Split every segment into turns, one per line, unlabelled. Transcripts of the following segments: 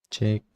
เช็ค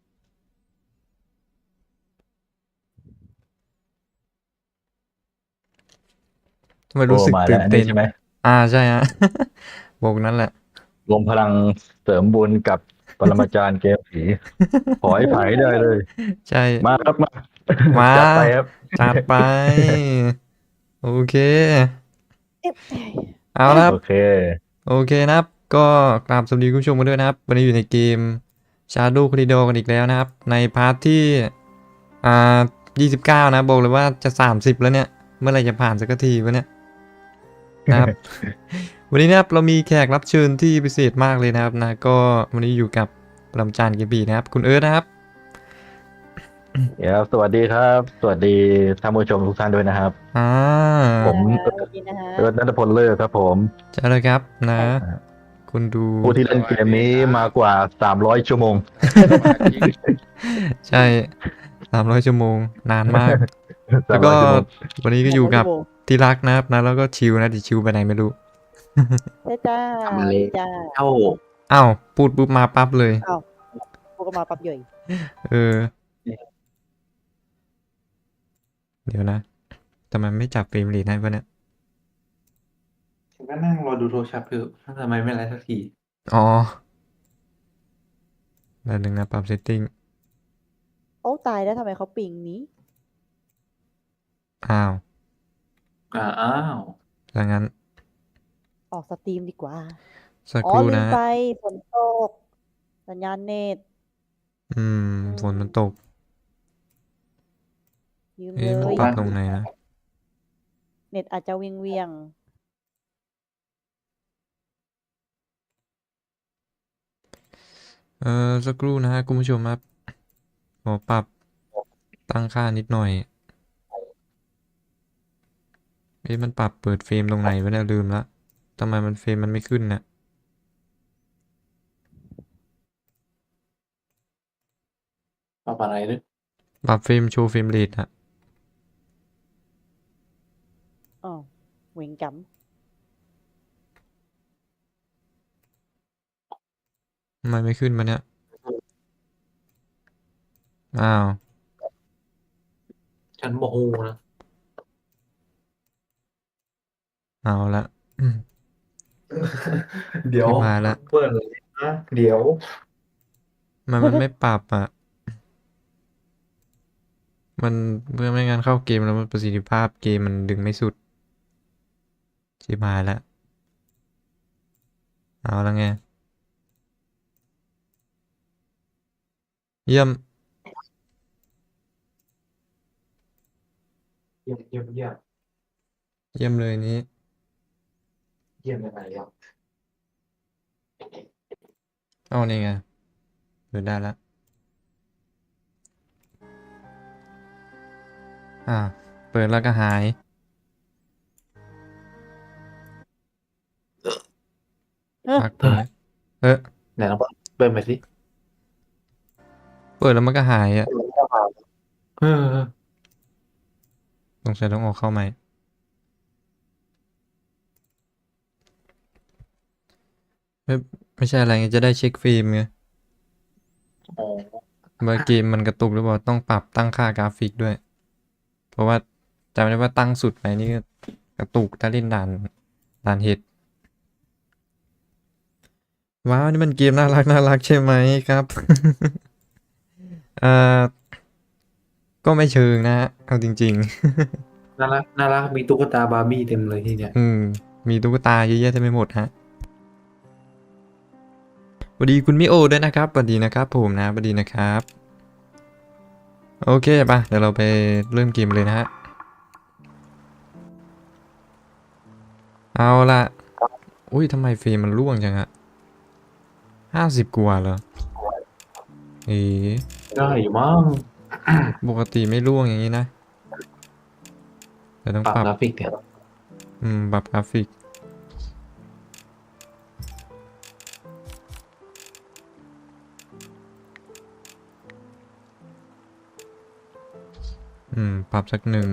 ทำไม
โอ้
รู้สึก
มาแล้ว
ตื่นเต้น
อันนี้ใช่ไหม
ใช่ฮะบอกนั่นแหละ
รวมพลังเสริมบุญกับปรมาจารย์เกมผีขอให้ไผ่ได้เลย
ใช่
มาครับมา
มา
จัดไปครับ
จัดไปโอเค
เอ๊ะ
เอาละครับ
โอเค
โอเคนะครับก็กราบสวัสดีคุณผู้ชมกันด้วยนะครับวันนี้อยู่ในเกม Shadow Corridor กันอีกแล้วนะครับในพาร์ทที่อ่า29นะบอกเลยว่าจะ30แล้วเนี่ยเมื่อไหร่จะผ่านสักทีวะเนี่ยนะครับ วันนี้นะครับเรามีแขกรับเชิญที่พิเศษมากเลยนะครับนะก็วันนี้อยู่กับปรมาจารย์เกมบีนะครับคุณเอิร์ธนะครับ
เดี๋ยวสวัสดีครับสวัสดีท่านผู้ชมทุกท่านด้วยนะครับ
อ่า
ผม
นะคะสวัสดีนะฮะ
เอิร์ธณัฐพลเลิศครับผม
เจอเลยครับนะ
ใช่
คุณดู
ผู้ที่เล่นเกมนี้มากว่า300ชั่วโมง
สมาชิก
ใช่300 ชั่วโมงนานมากแล้วก็
300 ชั่วโมง
วันนี้ก็อยู่กับที่รักนะครับนะแล้วก็ชิวนะดิชิวไปไหนไม่รู้
ใช่จ้าส
ทำเล
วัสดีจ้า
เท่า
อ้าวพูดปุ๊บมาปั๊บเลย
อ้าวพวกก็มาปั๊บย่อย
เออเดี๋ยวนะทำไมไม่จับเฟรมเรทให้วะเนี่ย
ฉันก็นั่งรอดูโทรศัพท์อยู่ทำไมไม่ไลฟ์สักที
อ๋อแล้วหนึ่งนะปรับเซตติ้ง
โอ้ตายแล้วทำไมเขาปิงนี้
อ้าว
อ้าว
ดังนั้น
ออกสตรีมดีกว่า
สัก
อ๋อ
ครู่นะ
ลืมไปฝนตกสัญญาณเน็ต
อืม
อื
ฝนมันต
ม
ก
ยืมเล
เอ๊ะมัน
ย
ปรับตรงไหนนะ
เน็ตอาจจะเวียง
สักครู่นะฮะคุณผู้ชมครับขอปรับตั้งค่านิดหน่อยเอ๊ะมันปรับเปิดเฟรมตรงไหนวะเนี่ยลืมละทำไมมันเฟรมมันไม่ขึ้นเนี่ย
ปรับอะไรด้วย
ปรับเฟรมโชว์เฟรมเรทอะ
อ๋อเหวงจ
ทำไมไม่ขึ้นมาเนี่ยอ้าว
ฉันโมโหนะ
เอาละอืม
เดี๋ยว
ชิบหายละ
เปิดเลยนะเดี๋ยว
มันไม่ปรับอ่ะมันเพื่อไม่งั้นเข้าเกมแล้วมันประสิทธิภาพเกมมันดึงไม่สุดชิบหายละเอาละไงเยี่ยม
เยี่ยมเยี่ยมเยี่ยม
เยี่ยมเลยนี้
เยี่ยมยังไงครับ
เอานี่ไงเปิดได้ละอ่าเปิดแล้วก็หาย
ำเฮ้
พักตรงนี้เออ
ไหนลองเปิดไปสิ
เปิดแล้วมันก็หายอ่ะ
เออ
สงสัยต้องออกเข้าใหม่ไม่ไม่ใช่อะไรไงจะได้เช็คฟิล์มไง
อ๋อ
ว่าเกมมันกระตุกหรือเปล่าต้องปรับตั้งค่ากราฟิกด้วยเพราะว่าจำได้ว่าตั้งสุดไปนี่ก็กระตุกถ้าเล่นด่านเห็ด ว้าวนี่มันเกมน่ารักใช่ไหมครับ เอ่อก็ไม่เชิงนะฮะเอาจริง
น่ารักน่ารักมีตุ๊กตาบาร์บี้เต็มเลยที่เนี่ย
ๆมีตุ๊กตาเยอะแยะเต็มไปหมดฮะสวัสดีคุณมิโอด้วยนะครับสวัสดีนะครับผมนะสวัสดีนะครับโอเคป่ะเดี๋ยวเราไปเริ่มเกมเลยนะฮะเอาละอุ้ยทำไมเฟรมมันร่วงจังอะ50 กว่าเหรอเอ๋
ได้อยู่มั้ง
ปกติไม่ร่วงอย่างนี้นะแต่ต้อง
ปรับ
ปรับ
กราฟิกเนี่ย
ปรับกราฟิกปรับสักหนึ่ง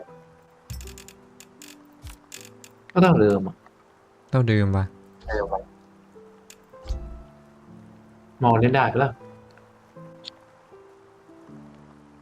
ก็เท่าเดิมอะ
เท่าเดิมป่ะ
มองเล่นได้ปะล่ะ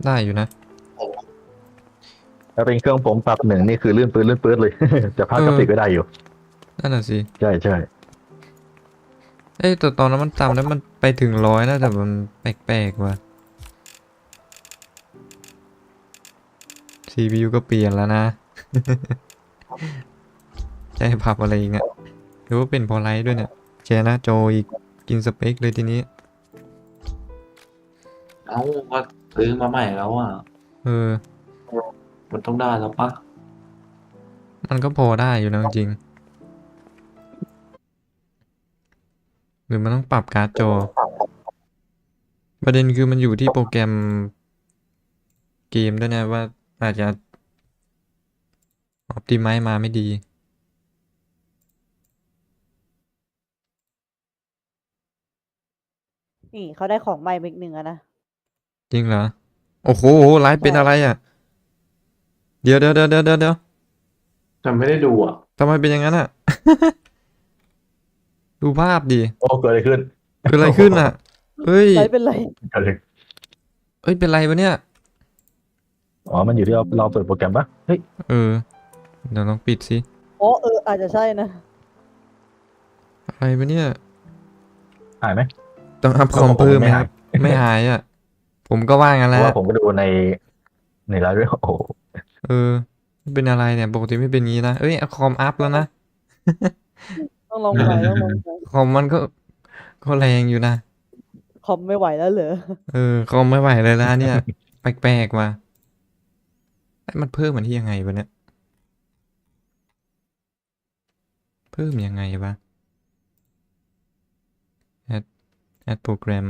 ได้อยู่นะ
ถ้าเป็นเครื่องผมปรับหนึ่งนี่คือลื่นปื๊ดเลย จะพาก
เอ
กรา
อ
ฟิกก็ได้อยู่
นั่นน่ะสิ
ใช่ใช่
เอ้ยแต่ตอนนั้นมันต่ำแล้วมันไปถึง100นะแต่มันแปลกๆว่ะ CPU ก็เปลี่ยนแล้วนะ จะให้ปรับอะไรอีกเนี่ยหรือว่าเป็นเพอไลท์ด้วยเนี่ยแชร์หน้าจออีกกินสเปคเลยทีนี้
เอ้าก็ซื้อมาใหม่แล้วอ่ะ
เออ
มันต้องได้แล้วปะ
มันก็พอได้อยู่นะจริงๆหรือมันต้องปรับการ์ดจอ ประเด็นคือมันอยู่ที่โปรแกรมเกมด้วยนะว่าอาจจะ ออ t ติไม e มาไม่ดี
นี่เขาได้ของใหม่มาอีกหนึ่งอะนะ
จริงเหรอ โอ้โหไลฟ์เป็น
ใช่
อะไรอ่ะ เดี๋ยว
แต่ไม่ได้ดูอ่ะ
ทำไมเป็นอย่างนั้นอ่ะ ดูภาพดิ
โอ้เกิดอะไรขึ้น
เกิดอะไรขึ้นอ่ะ เฮ้ย
ไรเป็นไร
เกิดอะไร
เอ้ย เป็นไรวะเนี่ย
อ๋อมันอยู่ที่เราเปิดโปรแกรมปะเฮ้ย
เออ เดี๋ยวลองปิดสิ
อ๋ออาจจะใช่นะ
อะไรวะเนี่ย
หายไหม
ต้องอัพคอม
ผม
เพิ่มไหม
ไม่
ค
หาย
รับ ไม่หายอ่ะ ผมก็ว่างั้น
เพ
แห
ราะ
ละ
ว่าผมก็ดูในไลฟ์ด้วยโอ้โห
เออเป็นอะไรเนี่ย ปกติไม่เป็นงี้นะ เอ้ยคอมอัพแล้วนะ
ต้องลองใหม่ต้องลองใหม่
คอมมันก็แรงอยู่นะ
คอมไม่ไหวแล้วเหรอ
คอมไม่ไหวเลยนะเนี่ย แปลกๆว่ะไอ้มันเพิ่มมันที่ยังไงวะเนี่ย เพิ่มยังไงวะ add program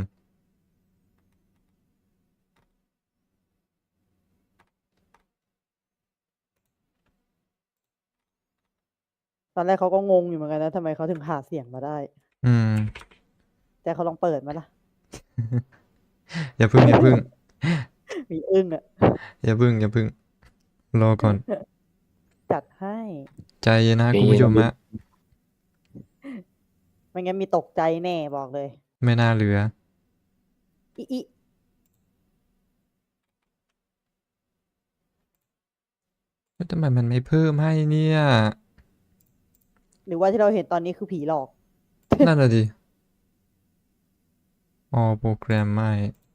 ตอนแรกเขาก็งงอยู่เหมือนกันนะทำไมเขาถึงหาเสียงมาได้
อืม
แต่เขาลองเปิดมาล่ะ
อย่าพึ่ง
มีอึ้งอะ
อย่าพึ่ง รอก่อน
จัดให้
ใจเย็นนะคุณผู้ชมฮะ
ไม่งั้นมีตกใจแน่บอกเลย
ไม่น่าเหลือ
อิ
แล้วทำไมมันไม่เพิ่มให้เนี่ย
หรือว่าที่เราเห็นตอนนี้คือผีหลอก
นั่นน่ะดิ all program ไม่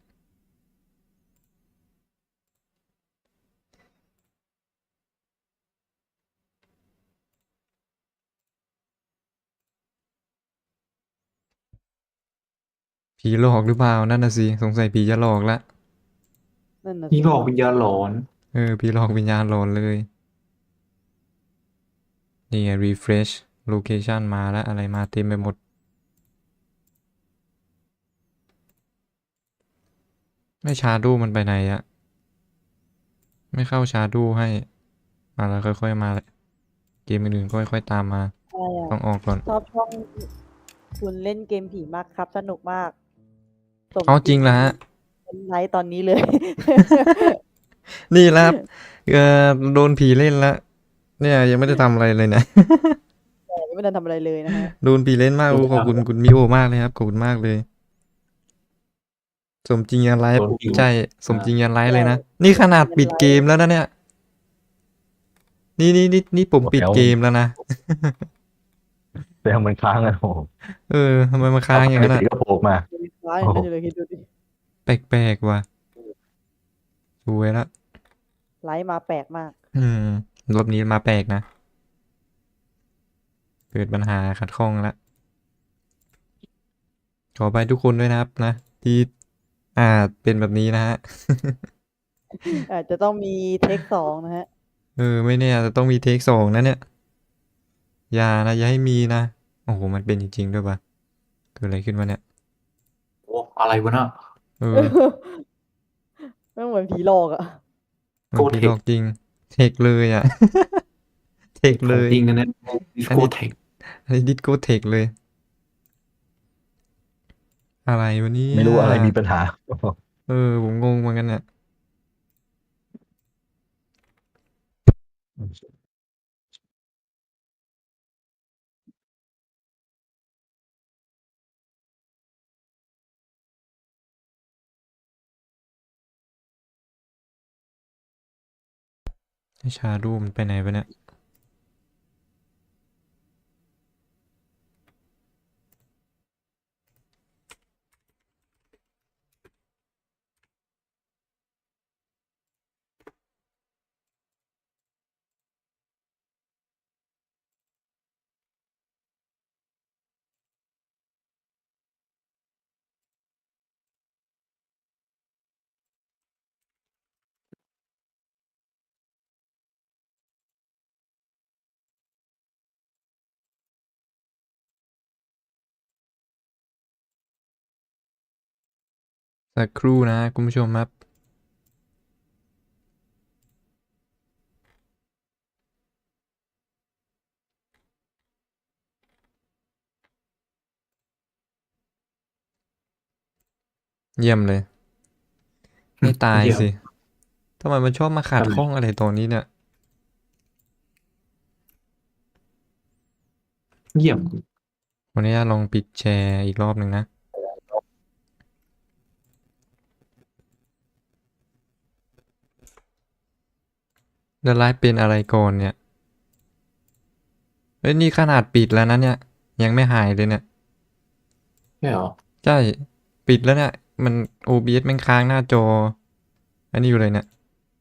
ผีหลอกหรือเปล่า นั่นน่ะสิ สงสัยผีจะหลอกละ
นั่นน่ะ
นี่
สิ
หลอกวิญญาณหลอน
ผีหลอกวิญญาณหลอนเลย นี่ไง refresh location มาแล้ว อะไรมาเต็มไปหมด ไม่ชาร์ดูมันไปไหนอะไม่เข้าชาร์ดูให้ มาแล้วค่อยๆมาเลยเกมอื่นๆก็ค่อยๆตามมา
อะไรอะ
ต้องออกก่อน
ชอบช่องคุณเล่นเกมผีมากครับ สนุกมากสม
เอาจริงแล้วฮะ
เป็นไลฟ์ตอนนี้เลย
นี่แหละครับโดนผีเล่นแล้ว เนี่ยยังไม่ได้ทำอะไรเลยนะ
แต่ยังไม่ได้ทำอะไรเลยนะฮะ
โดนผีเล่นมากโอ้ขอบคุณคุณมิโอมากเลยครับ ขอบคุณมากเลย สมจริงยันไลฟ์
โดนผี
ใช่ สมจริงยันไลฟ์เลยนะ
ใช่
นี่ขนาดปิดเกมแล้วนะเนี่ย นี่ผมปิดเกมแล้วนะ
แต่มันค้างอะโอ้โห
ทำไมมาค้างอย่างนั้น
ผี
อ่ะ
ก็โผล่มา
ยังมีฟ้าอย่างนั้นอยู่เลยคิดดูดิ
แปลกๆว่ะสวยละ
ไลฟ์มาแปลกมาก
รอบนี้มาแปลกนะ เกิดปัญหาขัดข้องละขอไปทุกคนด้วยนะครับนะ ที่เป็นแบบนี้นะฮะ
อาจจะต้องมีเทค2นะฮะ
ไม่แน่อาจจะต้องมีเทค2นะเนี่ย อย่าให้มีนะ โอ้โห มันเป็นจริงๆด้วยปะเกิดอะไรขึ้นวะเนี่ย
โอ้อะไรวะน่ะ
ไม่เหมือนผีหลอกอะ
มันผีหลอกจริง เทคเลยอ่ะ เทคเลย
จริงนะเนี่ยดิสโกเทค
อันนี้ดิสโก้เทคเลย อะไรวะเนี่ย
ไม่รู้อะไรมีปัญหา
ผมงงเหมือนกันเนี่ยให้ชาดูมันไปไหนไปเนี่ยสักครู่นะคุณผู้ชมครับ เยี่ยมเลย ไม่ตาย
เดี๋ยว
สิทำไมมันชอบมาขัด
ทำไม
ข้องอะไรตรงนี้เนี่ย
เยี่ยม
วันนี้ลองปิดแชร์อีกรอบหนึ่งนะ แล้วไลฟ์เป็นอะไรก่อนเนี่ยเอ้ยนี่ขนาดปิดแล้วนะเนี่ย ยังไม่หายเลยเนี่ย
ใช่เหรอ
ใช่ ปิดแล้วเนี่ย มัน OBS แม่งค้างหน้าจอ อันนี้อยู่เลยเนี่ย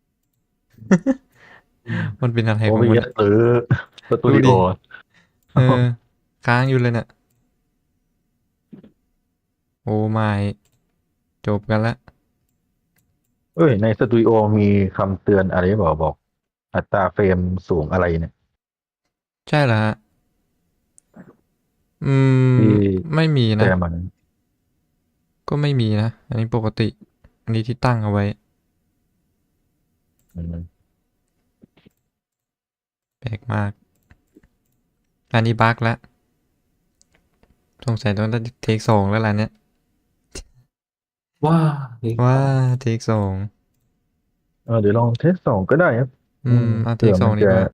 มันเป็นอะไร
โอ
ของ
บี
มัน
เอสหรือสตูดิ
ดู
โอ
ดิ เออ ค้างอยู่เลยเนี่ย โอ้ไม่จบกันละ
เอ้ยในสตูดิโอมีคำเตือนอะไรบอกอัตราเฟรมสูงอะไรเนี่ย
ใช่เหรอฮะ อืม
ที่
ไม่มี
แช
นะ
ร์มัน
ก็ไม่มีนะ อันนี้ปกติ อันนี้ที่ตั้งเอาไว้
อืม
แปลกมาก อันนี้บั๊กแล้วสงสัยต้องเทคสองแล้วล่ะเนี่ย
ว่าเฮ้ย
ว่าเทคสอง
เดี๋ยวลองเทส2ก็ได้ครับ
เอาเท
เผื่
ค
อ
สอ
มั
ง
น
ดี
จะ
กว่า